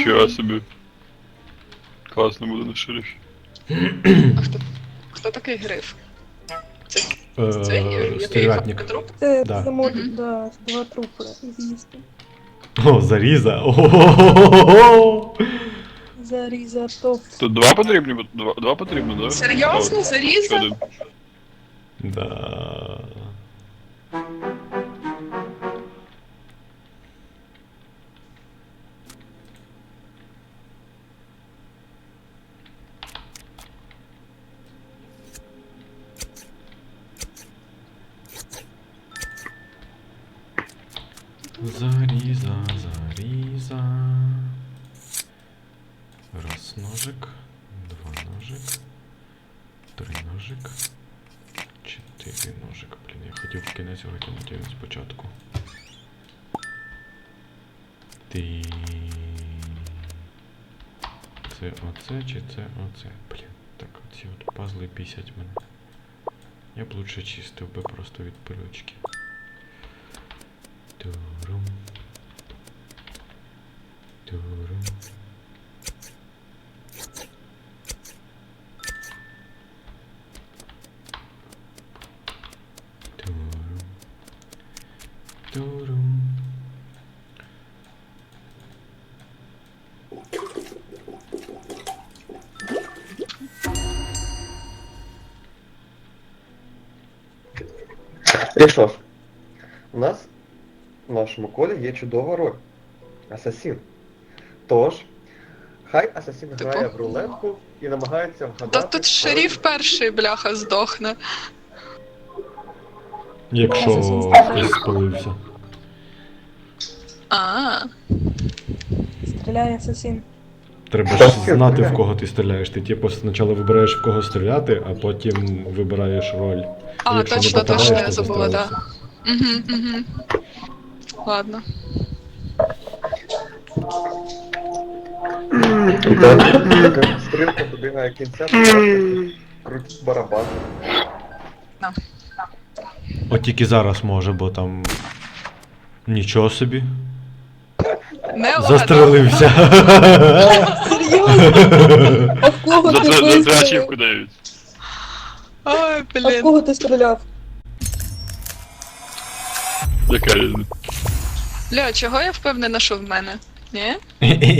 Ніфіга собі. Класно буде на шерифі. А хто такий гриф? Це Стервятник. труп? Це Да. замовить, да, два трупи з'їсти. О, заріза. Ого-го-го-го-го! Зарізатов. Тут два потрібні? Два потрібно, да? Серйозно? Заріза? Ще один. Да. Заріза, заріза. Раз ножик, два ножик, три ножик, чотири ножик. Блін, я хотів в кінець витягнути його спочатку. Ти. Це оце чи це оце? Блін, так оці от пазли бісять мене. Я б лучше чистив би просто від пилючки. Турум. Турум. Турум. Турум. Рішов. У нас в нашому колі є чудова роль. Асасін. Тож, хай асасін грає в рулетку і намагається вгадати... Та тут шериф перший, бляха, здохне. Якщо Асасін хтось спалився. А, Стріляє асасін. Треба ж знати, в кого ти стріляєш. Ти типу спочатку вибираєш, в кого стріляти, а потім вибираєш роль. А, Якщо не точно, попадаєш, точно, то я забула, да. застрелишся. Угу. Ладно. Стрілка добігає кінця, крутить барабан. От тільки зараз може, бо там нічого собі. Не ладно. Застрелився. Серйозно? А в кого ти За вистрілив? ачівку дають. Ой, А в блін. кого ти стріляв? Яка різниця? Бля, чого я впевнена, що в мене? Ні?